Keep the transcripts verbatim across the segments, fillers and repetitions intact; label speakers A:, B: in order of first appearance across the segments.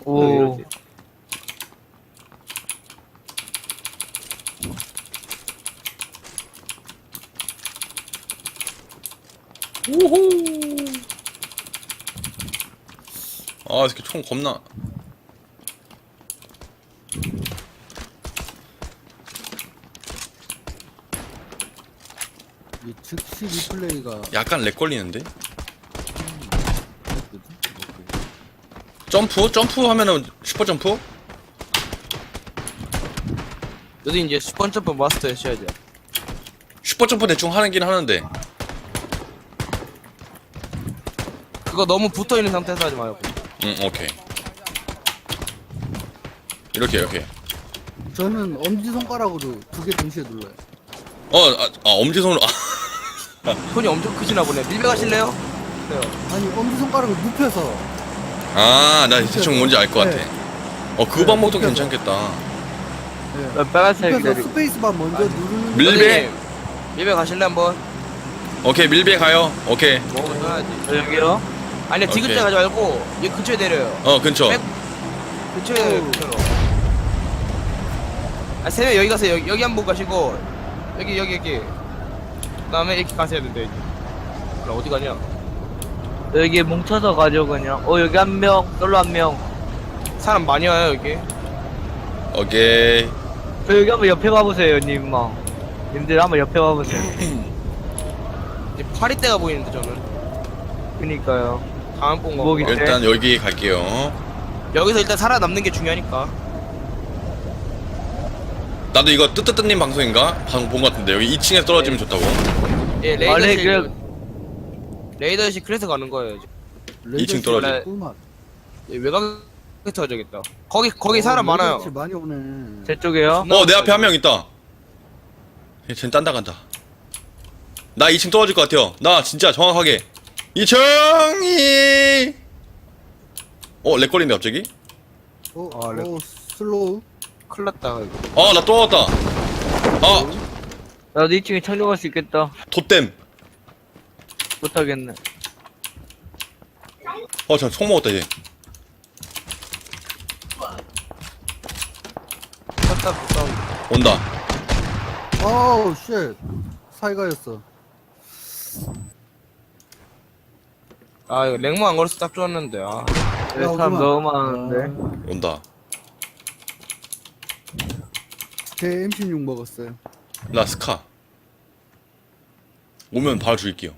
A: 오.
B: 오호. 아, 이렇게 총 겁나.
C: 이 즉시 리플레이가
B: 약간 렉 걸리는데?
C: 뭐지?
B: 점프? 점프 하면은 슈퍼 점프?
A: 너도 이제 슈퍼 점프 마스터 하셔야죠.
B: 슈퍼 점프 대충 하는긴 하는데.
A: 그거 너무 붙어 있는 상태에서 하지 말고.
B: 응, 오케이. 이렇게, 이렇게.
C: 저는 엄지손가락으로 두 개 동시에 눌러요.
B: 어, 아, 아 엄지손으로. 아,
A: 손이 엄청 크시나 보네. 밀배 가실래요? 네요.
C: 아니 엄지손가락을 눕혀서
B: 아, 나 대충 뭔지 알 것 같아.
C: 네.
B: 어, 그
C: 네,
B: 방법도
C: 눕혀서.
B: 괜찮겠다.
C: 네.
D: 빨간색
C: 눕혀서
D: 기다리고.
C: 스페이스바 먼저 누르는
B: 밀- 밀배?
A: 선생님, 밀배 가실래 한번?
B: 오케이, 밀배 가요. 오케이.
A: 먹으면 떠나야지.
D: 저 여기요?
A: 아니야 지금
B: 오케이.
A: 때 가지 말고 이 근처에 내려요.
B: 어, 근처.
A: 백- 근처에
C: 오.
A: 근처로. 아 세명 여기 가세요. 여기, 여기 한 번 가시고 여기 여기 여기. 그다음에 이렇게 가셔야 된대 이제. 그럼 어디 가냐?
D: 여기 뭉쳐서 가죠 그냥. 어 여기 한 명, 솔로 한 명.
A: 사람 많이 와요 여기.
B: 오케이.
D: 저 여기 한번 옆에 봐보세요 님마. 님들 한번 옆에 봐보세요.
A: 이제 파리떼가 보이는데 저는.
D: 그니까요.
A: 다음 본 거.
D: 목이- 네.
B: 일단 여기 갈게요.
A: 여기서 일단 살아남는 게 중요하니까.
B: 나도 이거 뜨뜨뜨님 방송인가? 방송 본 것 같은데 여기 이 층에서 떨어지면 좋다고.
A: 예
D: 아, 네,
A: 레이더실.
D: 그래.
A: 레이더실 그래서 가는 거예요. 이제.
B: 이 층 떨어지.
A: 원래-
C: 꿀맛.
A: 예, 외곽에 터져야겠다. 거기 거기 사람
C: 어,
A: 많아요.
C: 레이더실 많이 오네.
D: 제 쪽에요.
B: 어, 내 앞에 한 명 있다. 얘 쟤는 딴다 간다. 나 이 층 떨어질 것 같아요. 나 진짜 정확하게. 이 층이. 어, 렉 걸린데 갑자기?
C: 어,
A: 아, 레-
C: 어 슬로우.
A: 큰일 났다 이거.
B: 아, 나 떨어졌다. 아,
D: 나도 이 층에 착륙할 수 있겠다.
B: 돛댐.
D: 못하겠네.
B: 어, 저 총 먹었다 얘.
A: 쳤다 붙다.
B: 온다.
C: 아우 쉣. 사이가였어.
A: 아 이거 랭모 안 걸어서 딱 좋았는데. 아.
D: 여기
C: 야,
D: 사람
C: 오지마.
D: 너무 많은데.
B: 온다.
C: 제 엠십육 먹었어요.
B: 나 스카. 오면 바로 죽일게요.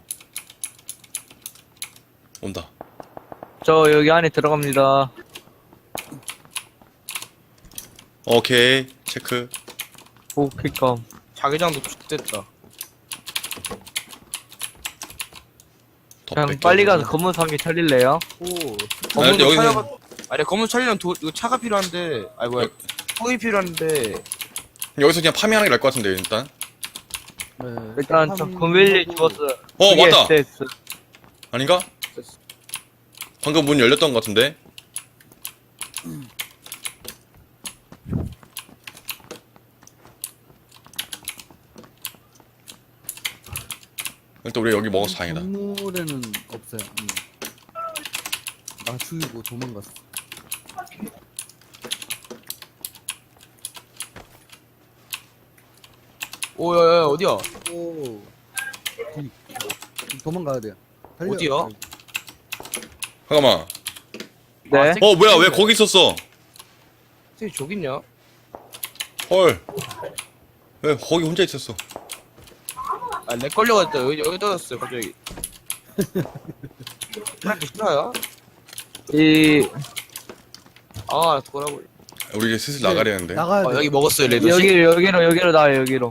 B: 온다.
D: 저 여기 안에 들어갑니다.
B: 오케이. 체크.
D: 오 킥감.
A: 자기장도 됐다.
B: 더
D: 그냥
B: 뺏겨.
D: 빨리 가서 검은 상기 차릴래요?
C: 오.
B: 아,
A: 검은도
B: 여기는-
A: 차려가. 아니 검은 차리려면 도, 이거 차가 필요한데. 아이 뭐야. 통이 필요한데.
B: 여기서 그냥 파밍하는 게 나을 것 같은데 일단.
C: 네.
D: 일단 저
C: 한-
D: 금윌리
C: 하고-
D: 집었어요.
B: 어,
D: 그게
B: 맞다.
D: 에스에스.
B: 아닌가? 방금 문 열렸던 것 같은데. 일단 우리 여기 먹어서 다행이다.
C: 건물에는 없어요. 음. 나 죽이고 도망갔어.
A: 오야야 어디야?
C: 오. 뒤. 도망가야 돼요. 달려.
A: 어디요?
B: 잠깐만.
D: 네.
A: 아,
B: 어, 뭐야? 왜 거기 있었어?
A: 저기 저기 있냐?
B: 헐. 왜 거기 혼자 있었어?
A: 아렉 걸려가지고 여기 여기 떨어졌어요 갑자기. 그렇게 싫어요?
D: 이
A: 아 돌아볼.
B: 우리 이제 슬슬 나가려는데.
C: 나가야 돼.
A: 어, 여기 먹었어요 레드.
D: 여기 여기로 여기로 나와요 여기로.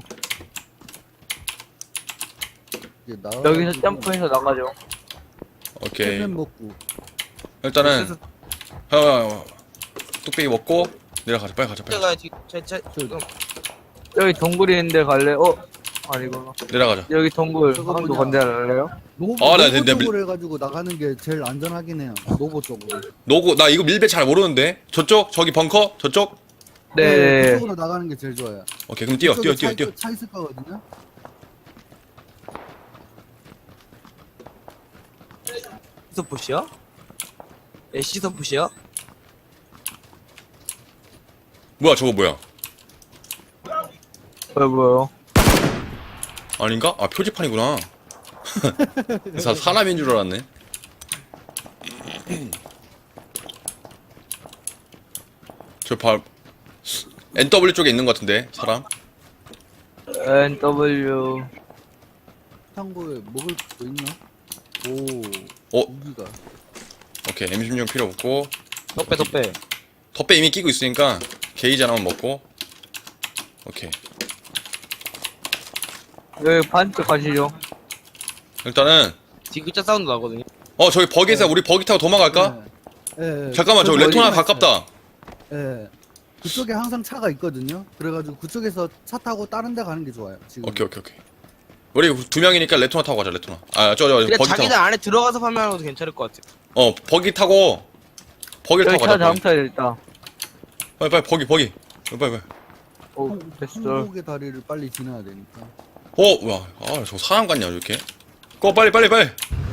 C: 이제 나가야
D: 여기서
C: 되고.
D: 점프해서 나가죠.
B: 오케이.
C: 캔 먹고.
B: 일단은 어, 어, 어. 뚝배기 먹고 내려가자. 빨리 가자. 빨리. 가자.
A: 제가 지금 제제 지금
D: 여기 동굴이 있는데 갈래? 어? 아니구나.
B: 내려가자.
D: 여기 동굴
C: 저거
D: 한번
C: 뭐냐?
D: 건드릴래요?
C: 노보,
B: 아, 나-
C: 노보
B: 내- 내-
C: 쪽으로 해가지고 나가는 게 제일 안전하긴 해요. 노보 쪽으로.
B: 노고 나 이거 밀배 잘 모르는데. 저쪽 저기 벙커 저쪽.
D: 네.
C: 그쪽으로 나가는 게 제일 좋아요.
B: 오케이 그럼 뛰어 뛰어
C: 그쪽에
B: 뛰어
C: 차,
B: 뛰어.
C: 차 있을 거거든요.
A: 시서푸시야? 에 시서푸시야?
B: 뭐야 저거 뭐야?
D: 뭐야 뭐야?
B: 아닌가? 아 표지판이구나. 사, 사람인 줄 알았네. 저 발 엔더블유 쪽에 있는 것 같은데 사람?
D: 엔 더블유.
C: 창고에 먹을 거 있나? 오.
B: 어?
C: 무기가.
B: 오케이 엠 십육 필요 없고
A: 덕배 덕배.
B: 덧배 이미 끼고 있으니까 게이지 하나만 먹고 오케이
D: 여기 반쪽 가시죠.
B: 일단은
A: 디귿자 사운드 나거든요.
B: 어 저기 버기에서 우리 버기 타고 도망갈까?
C: 예. 예.
B: 잠깐만 저기
C: 그
B: 레토나
C: 어디가
B: 가깝다.
C: 있어요. 예. 그쪽에 항상 차가 있거든요. 그래가지고 그쪽에서 차 타고 다른 데 가는 게 좋아요. 지금.
B: 오케이 오케이 오케이 우리 두 명이니까 레토나 타고 가자 레토나 아 저 저
A: 그냥
B: 버기 타고
A: 자기장 안에 들어가서 판매하는 것도 괜찮을 것 같아.
B: 어 버기 타고 버기를
D: 여기
B: 타고
D: 차
B: 가자 버기.
D: 장타야 있다.
B: 빨리 빨리 버기 버기 빨리 빨리
D: 오
C: 항-
D: 됐어.
C: 항복의 다리를 빨리 지나야 되니까.
B: 어 와 아 저 사람 같냐 이렇게 꺼 빨리 빨리 빨리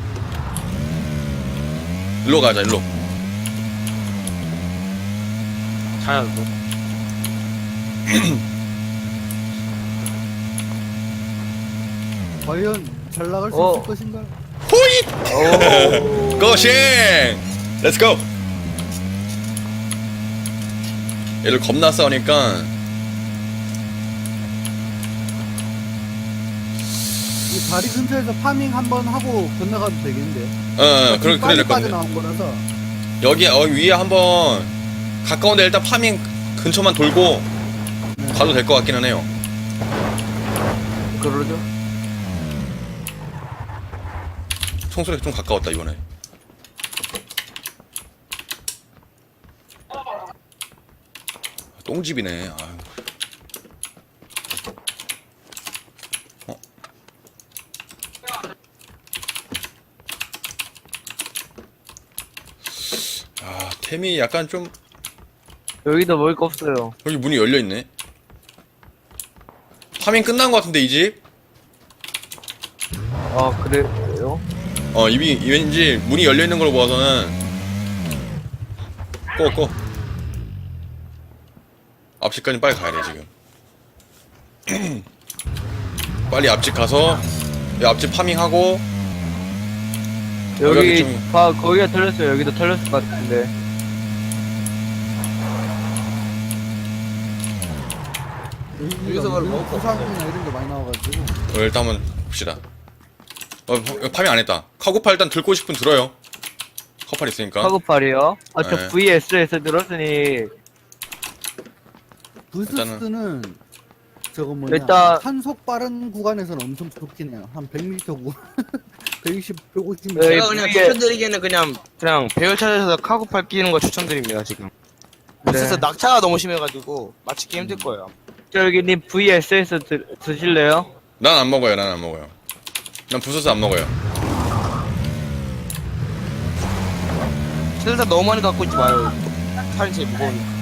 B: 일로 가자 일로
A: 자연도.
C: 과연 잘 나갈 수
D: 어.
C: 있을 것인가?
B: 호잇 고싱 렛츠고 얘를 겁나 싸우니까
C: 이 다리 근처에서 파밍 한번 하고 건너가도 되겠는데.
B: 어, 어 그래 그래
C: 빨리
B: 될 건데
C: 빠져나온 거라서.
B: 여기 어, 위에 한번 가까운데 일단 파밍 근처만 돌고 가도 될 것 같기는 해요.
D: 그러죠.
B: 총소리 좀 가까웠다 이번에. 똥집이네. 아유. 어? 아 템이 약간 좀
D: 여기도 먹을 거 없어요.
B: 여기 문이 열려 있네. 파밍 끝난 것 같은데 이 집?
D: 아 그래요?
B: 어 이미 왠지 문이 열려 있는 걸로 보아서는 꺼 꺼. 앞집까지 빨리 가야 돼 지금. 빨리 앞집 가서 이 앞집 파밍하고 여기
D: 여기
B: 좀-
D: 봐 거기가 털렸어요. 여기도 털렸을 것 같은데.
A: 여기서 바로 먹을 거
C: 부상이나 이런 게 많이 나와가지고.
B: 어, 일단 한번 봅시다. 어 파- 파밍 안 했다. 카고팔 일단 들고 싶으면 들어요. 카고팔 있으니까.
D: 카고팔이요? 아 저
B: 네.
D: 브이에스에서 들었으니
C: 부스스는 저거 뭐냐
D: 일단-
C: 한속 빠른 구간에서는 엄청 좋긴 해요. 한 백 미터 구간. 백이십, 백오십 미터.
D: 네.
A: 제가 그냥
D: 이게-
A: 추천드리기에는 그냥 그냥 배열 찾아서 카고팔 끼는 거 추천드립니다 지금. 그래서
D: 네.
A: 낙차가 너무 심해가지고 맞추기 힘들 거예요.
D: 저기님 브이에스에서 드, 드실래요?
B: 난 안 먹어요. 난 안 먹어요. 난 부서서 안 먹어요.
A: 실사 너무 많이 갖고 있지 마요. 살이 제일 무거우니까.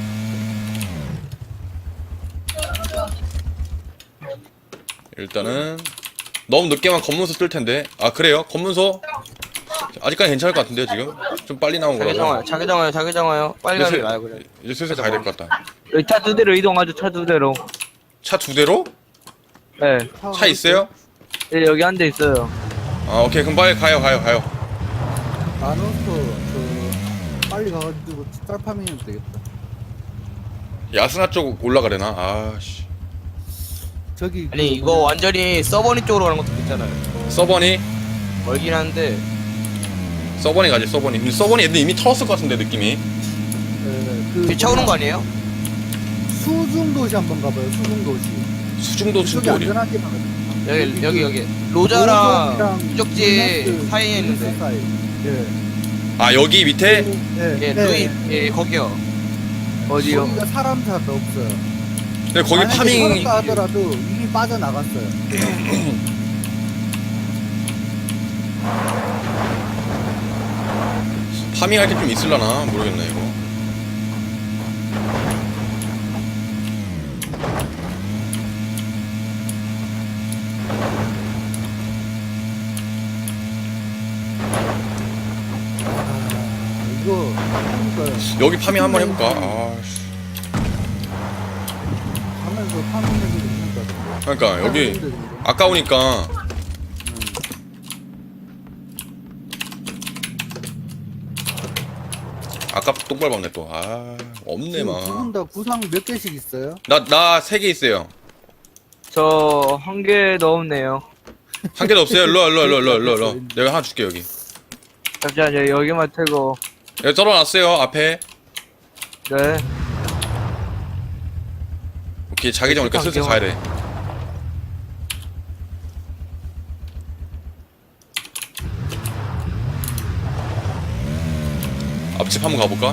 B: 일단은 너무 늦게만 검문소 뜰 텐데. 아 그래요? 검문소 아직까지 괜찮을 것 같은데요 지금? 좀 빨리 나온
A: 자기
B: 거라서.
A: 정화요, 자기 정화요, 자기 정화요. 빨리 가는 게 나아요 그래.
B: 이제 슬슬 가야 될 것 같다.
D: 여기 차 두 대로 이동하죠. 차 두 대로.
B: 차 두 대로?
D: 네.
B: 차 있어요?
D: 네, 여기 한 대 있어요.
B: 아 오케이 그럼 빨리 가요 가요 가요.
C: 나눠서 그 빨리 가가지고 쌀 파밍해도 되겠다.
B: 야스나 쪽 올라가려나? 아씨.
C: 저기
A: 아니
C: 그
A: 이거
C: 뭐냐,
A: 완전히 서버니 쪽으로 가는 것도 괜찮아요.
B: 서버니?
A: 멀긴 한데
B: 서버니 가지 서버니. 근데 서버니 애들 이미 털었을 것 같은데 느낌이.
C: 에, 그
A: 뒤차 오는 거
C: 뭐냐,
A: 아니에요?
C: 수중도시 한번 가봐요. 수중도시.
B: 수중도
C: 저기
B: 중도 어디?
C: 안전하게 가거든.
A: 여기 여기 여기 로자랑
C: 로저랑
A: 유적지
C: 루네스,
A: 사이에
C: 루네스
A: 있는데.
C: 사이. 예.
B: 아 여기 밑에?
C: 예,
A: 예, 루이 예 거기요.
D: 어디요?
C: 거기가 사람 잘 없어요.
B: 근데 거기
C: 만약에
B: 파밍
C: 털었다 하더라도 이미 빠져나갔어요.
B: 파밍할 게 좀 있을라나 모르겠네 이거.
C: 아, 이거 그러니까
B: 여기 파밍 한번 해볼까? 아씨.
C: 하면서 파는 데도 있는 것 같아요.
B: 그러니까 여기
C: 파는 데도 있고.
B: 아까우니까 아까 똥 밟았네 또. 아 없네
C: 지금
B: 막.
C: 두분 다 구상 몇 개씩 있어요?
B: 나 나 세 개 있어요.
D: 저 한 개 넘네요.
B: 한 개도 없어요. 일로 와, 일로 와, 일로 와, 일로 와, 일로 와, 일로 와. 내가 하나 줄게 여기.
D: 잠시만요. 여기만 틀고.
B: 여기 떨어놨어요 앞에.
D: 네.
B: 오케이 자기장 오니까 슬슬 가야 돼. 앞집 한번 가볼까?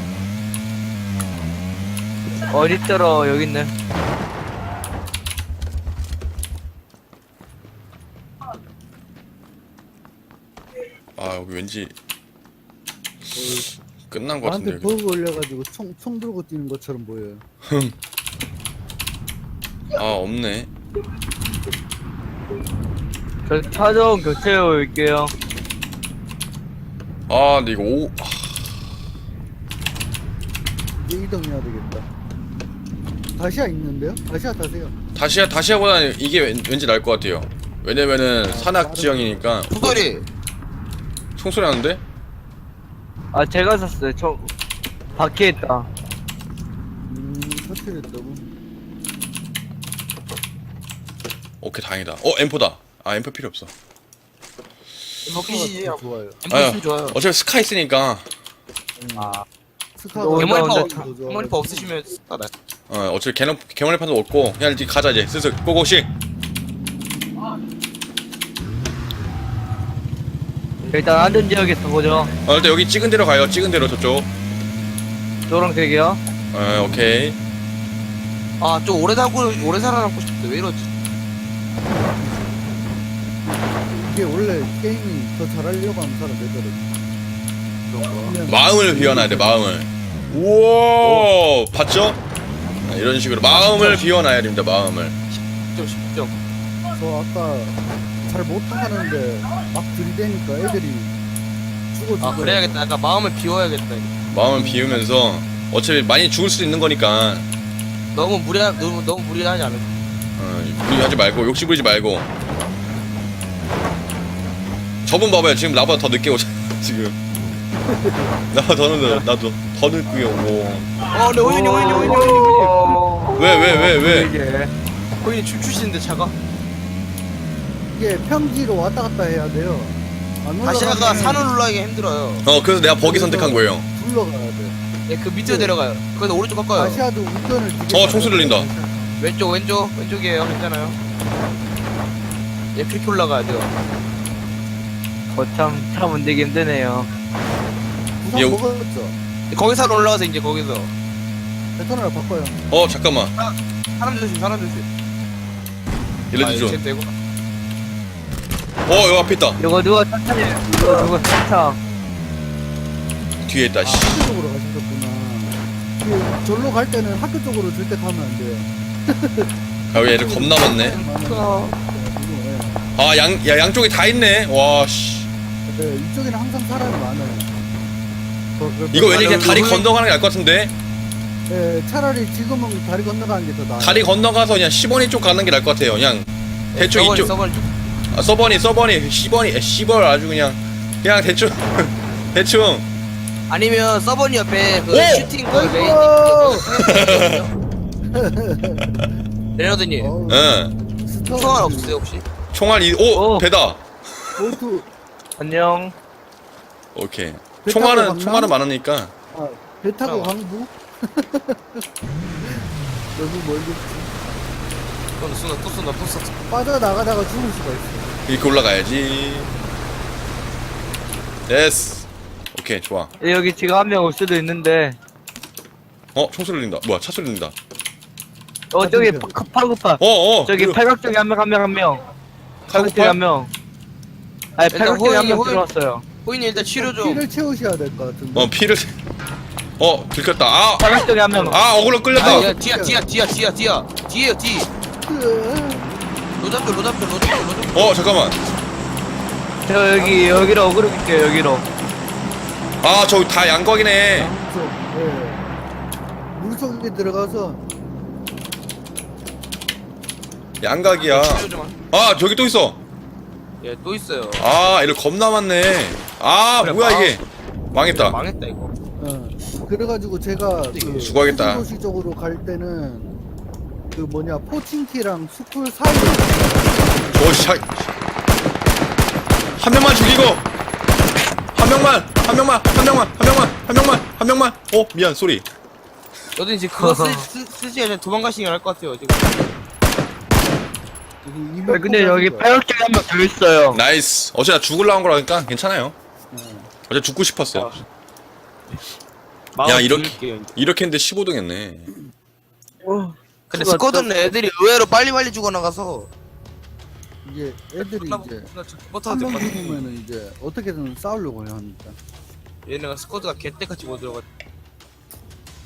D: 어딨더러 여기 있네.
B: 아 여기 왠지 끝난 것 같은데
C: 나한테
B: 여기.
C: 버그 걸려가지고 총, 총 들고 뛰는 것처럼 보여요.
B: 아 없네.
D: 저 차좀 교체해 올게요.
B: 아 근데 이거 오. 아,
C: 이제 이동해야 되겠다. 다시아 있는데요? 다시아 타세요.
B: 다시야 다시야보다는 이게 왠, 왠지 나을 것 같아요. 왜냐면은 산악 지형이니까.
A: 총소리.
B: 총소리 나는데?
D: 아 제가 샀어요. 저 바퀴에 있다.
C: 음, 터트렸다고.
B: 오케이 다행이다. 어 엠포다. 아 엠포 필요 없어.
A: 먹기시지.
C: 좋아요.
A: 엠포스 좋아요.
B: 어차피 스카 있으니까.
D: 아
C: 스카가
D: 너-
A: 개머리파
D: 너-
A: 없-
C: 더 좋아요.
A: 개머리파 없으시면 스타다.
B: 어 어차피 개념 개머리판도 없고 그냥 이제 가자 이제 슬슬 고고씩.
D: 일단 안전 지역에서 보죠.
B: 어 일단 여기 찍은 대로 가요. 찍은 대로 저쪽.
D: 노란색이요.
B: 어 오케이.
A: 아, 좀 오래 살고 오래 살아남고 싶대. 왜 이러지?
C: 이게 원래 게임이 더 잘하려고 하면 사람 되더라고요. 그냥
B: 마음을 비워놔야 돼 마음을. 우와 봤죠? 아, 이런 식으로 마음을 비워놔야 됩니다 마음을.
A: 좀 쉽죠.
C: 저 아까 잘 못하는데 막 들이대니까 애들이 죽어주고.
A: 아, 그래야겠다. 약간 마음을 비워야겠다. 이거.
B: 마음을 비우면서 어차피 많이 죽을 수도 있는 거니까
A: 너무 무리 너무 너무 무리하지 않을까?
B: 어, 무리하지 말고 욕심 부리지 말고. 저분 봐봐요 지금 나보다 더 늦게 오잖아 지금. 나보다 더 늦어 나도 더 늦게 오고.
A: 어, 근데 호윤이 호윤이 호윤이 호윤이
B: 왜 왜 왜 왜?
D: 이게
A: 호윤이 춤추시는데 차가?
C: 이게 평지로 왔다 갔다 해야 돼요. 안
A: 다시아가
C: 올라가면
A: 산을 올라가기 힘들어요.
B: 어 그래서 내가 버기 선택한 거예요.
C: 둘러가야 돼.
A: 예, 그 밑으로 내려가요. 그래서 오른쪽 꺾어요.
C: 다시아도 운전을 되게
B: 어, 총소리 들린다.
A: 왼쪽 왼쪽 왼쪽이에요. 괜찮아요. 예, 그렇게 올라가야 돼요.
D: 거참 차 문대기 힘드네요.
C: 부상
B: 예,
C: 먹었죠?
A: 거기서 올라가서 이제 거기서
C: 베터널 바꿔요.
B: 어 잠깐만
A: 사람 조심 사람 조심.
B: 일러주죠.
A: 아, 되고.
B: 어 여기 앞에 있다.
D: 이거 누가 천천히 이거 누가 천천.
B: 뒤에 있다.
C: 아,
B: 씨.
C: 학교 쪽으로 가셨구나. 그 절로 갈 때는 학교 쪽으로 절대 가면 안 돼요.
B: 아 여기 애들 겁나 많네.
A: 어.
C: 네,
B: 아 양 야 양쪽에 다 있네. 와 씨.
C: 네, 이쪽에는 항상 사람이 많아요. 그- 그-
B: 이거 왠지
A: 아,
B: 그냥
A: 여기
B: 다리
A: 왜-
B: 건너가는 게 나을 것 같은데.
C: 네, 차라리 지금은 다리 건너가는 게 더 나아요.
B: 다리 건너가서 그냥 십 번이 쪽 가는 게 나을 것 같아요. 그냥 대충
A: 서버니,
B: 이쪽.
A: 서버니 좀.
B: 아, 서버니 서버니 십 번이 십 번 아주 그냥 그냥 대충 대충.
A: 아니면 서버니 옆에 그
B: 오!
A: 슈팅 그 레인 레너드님
C: 어우,
B: 응.
C: 스톱.
A: 총알 없으세요 혹시?
B: 총알 이 오
D: 오.
B: 배다.
C: 보트.
D: 안녕.
B: 오케이.
C: 배 타고
B: 총알은
C: 갔나?
B: 총알은 많으니까.
C: 아, 배 타고
A: 어.
C: 강부? 너무 멀겠지.
A: 또 쏜다 또 쏜다 또 쏜다.
C: 빠져나가다가 죽을 수가 있어.
B: 이렇게 올라가야지. 됐어. 오케이 좋아.
D: 여기 지금 한 명 올 수도 있는데.
B: 어 총소리 들린다. 뭐야 차 소리 들린다.
D: 어 저기
C: 맞은편.
D: 파- 팔굽파.
B: 어어.
D: 저기 팔각 쪽에 한 명 한 명 한 명. 팔각 쪽에
B: 팔굽파?
D: 한 명. 아니
A: 일단
D: 팔각 쪽에 한 명
A: 호영이,
D: 들어왔어요.
A: 호인이 일단 치료 좀.
C: 피를 채우셔야 될 것 같은데.
B: 어 피를. 어 들켰다. 아.
D: 팔각 쪽에 한 명.
B: 아 어그로 끌렸다.
A: 아, 야, 뒤야 뒤야 뒤야 뒤야 뒤야 뒤에요 뒤. 로잡표 로잡표 로잡표 로잡표.
B: 어 잠깐만.
D: 저 여기 여기로 어그로 갈게요 여기로.
B: 아 저기 다 양각이네.
C: 물속, 예. 물속에 들어가서
B: 양각이야. 아 저기 또 있어.
A: 얘또 있어요.
B: 아 이거 겁나 많네. 아
A: 그래,
B: 뭐야
A: 망-
B: 이게. 망했다.
A: 망했다 이거.
C: 어. 그래가지고 제가 그
B: 수고하겠다.
C: 도시 쪽으로 갈 때는 그 뭐냐 포칭키랑 스쿨 사이에
B: 오씨. 한 명만 죽이고. 한 명만. 한 명만. 한 명만. 한 명만. 한 명만. 한 명만. 어 미안 쏘리.
A: 너도 이제 그거 쓰, 쓰, 쓰지 않으면 도망가시긴 할 것 같아요 지금.
C: 이명
D: 아, 근데 여기 파격적이 한 명 더 있어요.
B: 나이스. 어제 나 죽을라 한 거라니까 괜찮아요.
C: 네.
B: 어제 죽고 싶었어.
A: 마음
B: 야, 이렇게-
A: 비울게요, 이제.
B: 이렇게 했는데 십오 등 했네.
D: 어,
A: 근데
D: 그거
A: 스쿼드는 애들이 의외로 빨리빨리 죽어나가서
C: 이제 애들이
A: 나
C: 이제
A: 못하도
C: 한
A: 될것
C: 명
A: 같아.
C: 죽으면은 이제 어떻게든 싸우려고 해야 합니다.
A: 얘네가 스쿼드가 개떼같이 못 들어가.